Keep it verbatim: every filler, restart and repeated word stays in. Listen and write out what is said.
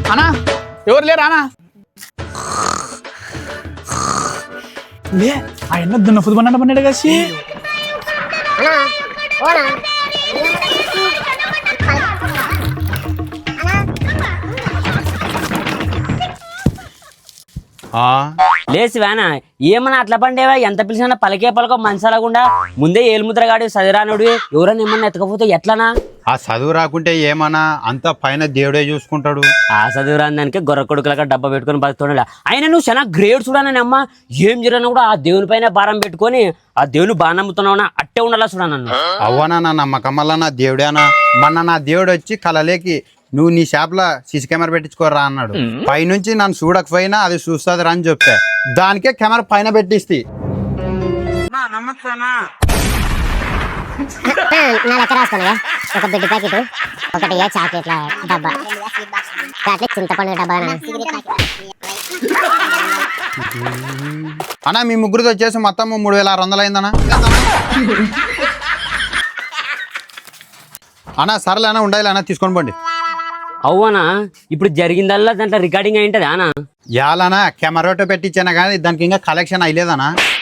అన్నా ఎవరు లేరా అన్నా లే ఆ ఎన్న దున్న ఫుడ్ పన్నెండు పన్నెండు కలిసి లేసి వేనా ఏమన్నా అట్లా పండేవా ఎంత పిలిచినా పలికే పలకో మనసలకుండా ముందే ఏలుముద్రగాడు సదిరానుడు ఎవరైనా ఏమన్నా ఎత్తకపోతే ఎట్లనా ఆ చదువు రాకుంటే ఏమన్నా అంత పైన దేవుడే చూసుకుంటాడు. ఆ చదువు రాని దానికి గొర్రె కొడుకులక డబ్బా పెట్టుకుని బతుకుతున్నాడు. అయినా నువ్వు చాలా గ్రేట్ చూడనని అమ్మ ఏం జరిగినా కూడా ఆ దేవుని పైన భారం పెట్టుకొని ఆ దేవుని బాగా నమ్ముతున్నావునా అట్టే ఉండాలా చూడ నన్ను. అవ్వనా నా నమ్మకం వల్ల నా దేవుడేనా మొన్న నా దేవుడు వచ్చి కలలేకి నువ్వు నీ షాప్లో సీసీ కెమెరా పెట్టించుకోరా అన్నాడు. పైనుంచి నన్ను చూడకపోయినా అది చూస్తుంది రా అని చెప్తే దానికే కెమెరా పైన పెట్టిస్తే నా లెక్క రాసుకున్నా ఒక బిడ్డ ప్యాకెట్ ఒకటి చాక్లెట్ల డబ్బా చాక్లెట్ చింతపండు డబ్బా అన్నా మీ ముగ్గురితో వచ్చేసి మొత్తం మూడు వేల ఆరు వందలు అయిందన్నా. అన్నా సరేలేనా ఉండాలి అన్న తీసుకొని పోండి. అవునా ఇప్పుడు జరిగిందల్లా దాంట్లో రికార్డింగ్ అయింటది అనా యాలనా కెమెరాతో పెట్టించానా కానీ దానికి ఇంకా కలెక్షన్ అయ్యలేదనా.